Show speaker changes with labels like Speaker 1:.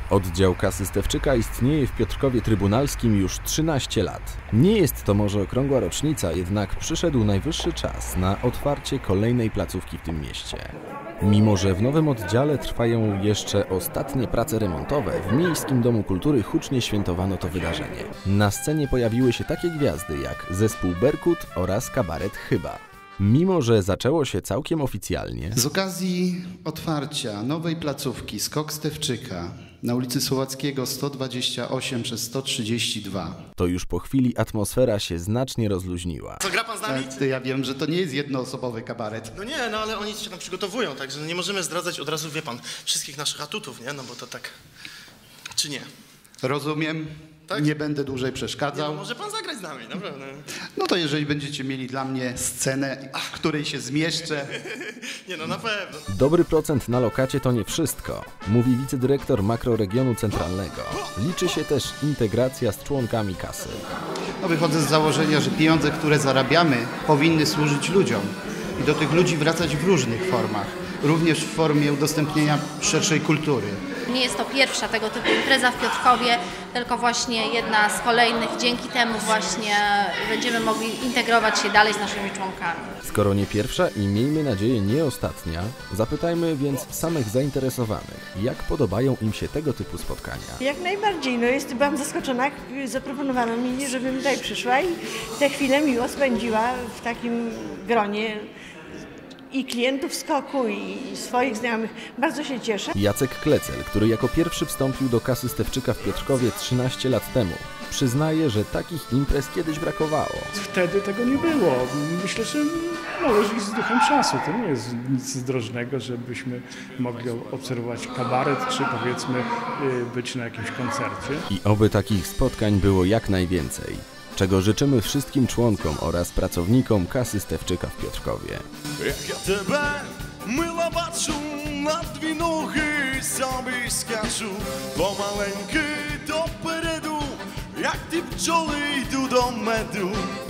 Speaker 1: Oddział kasy Stefczyka istnieje w Piotrkowie Trybunalskim już 13 lat. Nie jest to może okrągła rocznica, jednak przyszedł najwyższy czas na otwarcie kolejnej placówki w tym mieście. Mimo że w nowym oddziale trwają jeszcze ostatnie prace remontowe, w Miejskim Domu Kultury hucznie świętowano to wydarzenie. Na scenie pojawiły się takie gwiazdy jak zespół Berkut oraz kabaret Chyba. Mimo że zaczęło się całkiem oficjalnie,
Speaker 2: z okazji otwarcia nowej placówki Skok Stefczyka na ulicy Słowackiego 128 przez 132.
Speaker 1: to już po chwili atmosfera się znacznie rozluźniła.
Speaker 3: Co, gra pan z nami?
Speaker 2: Ja wiem, że to nie jest jednoosobowy kabaret.
Speaker 3: No nie, no ale oni się tam przygotowują, także nie możemy zdradzać od razu, wie pan, wszystkich naszych atutów, nie? No bo to tak... Czy nie?
Speaker 2: Rozumiem.
Speaker 3: Tak?
Speaker 2: Nie będę dłużej
Speaker 3: Nie,
Speaker 2: przeszkadzał.
Speaker 3: no może pan zagrać z nami, naprawdę.
Speaker 2: No to jeżeli będziecie mieli dla mnie scenę, w której się zmieszczę.
Speaker 3: Nie no, na pewno.
Speaker 1: Dobry procent na lokacie to nie wszystko, mówi wicedyrektor makroregionu centralnego. Liczy się też integracja z członkami kasy.
Speaker 2: No wychodzę z założenia, że pieniądze, które zarabiamy, powinny służyć ludziom i do tych ludzi wracać w różnych formach, również w formie udostępnienia szerszej kultury.
Speaker 4: Nie jest to pierwsza tego typu impreza w Piotrkowie, tylko właśnie jedna z kolejnych. Dzięki temu właśnie będziemy mogli integrować się dalej z naszymi członkami.
Speaker 1: Skoro nie pierwsza i miejmy nadzieję nie ostatnia, zapytajmy więc samych zainteresowanych, jak podobają im się tego typu spotkania.
Speaker 5: Jak najbardziej. No byłam zaskoczona, zaproponowano mi, żebym tutaj przyszła i tę chwilę miło spędziła w takim gronie i klientów Skoku, i swoich znajomych. Bardzo się cieszę.
Speaker 1: Jacek Klecel, który jako pierwszy wstąpił do kasy Stefczyka w Piotrkowie 13 lat temu, przyznaje, że takich imprez kiedyś brakowało.
Speaker 6: Wtedy tego nie było. Myślę, że należy iść z duchem czasu. To nie jest nic zdrożnego, żebyśmy mogli obserwować kabaret, czy powiedzmy być na jakimś koncercie.
Speaker 1: I oby takich spotkań było jak najwięcej, czego życzymy wszystkim członkom oraz pracownikom kasy Stefczyka w Piotrkowie.
Speaker 7: Jak ja тебе мила бачу, на дві ноги собі скачу, помаленьки допереду, як ті пчоли йду до меду.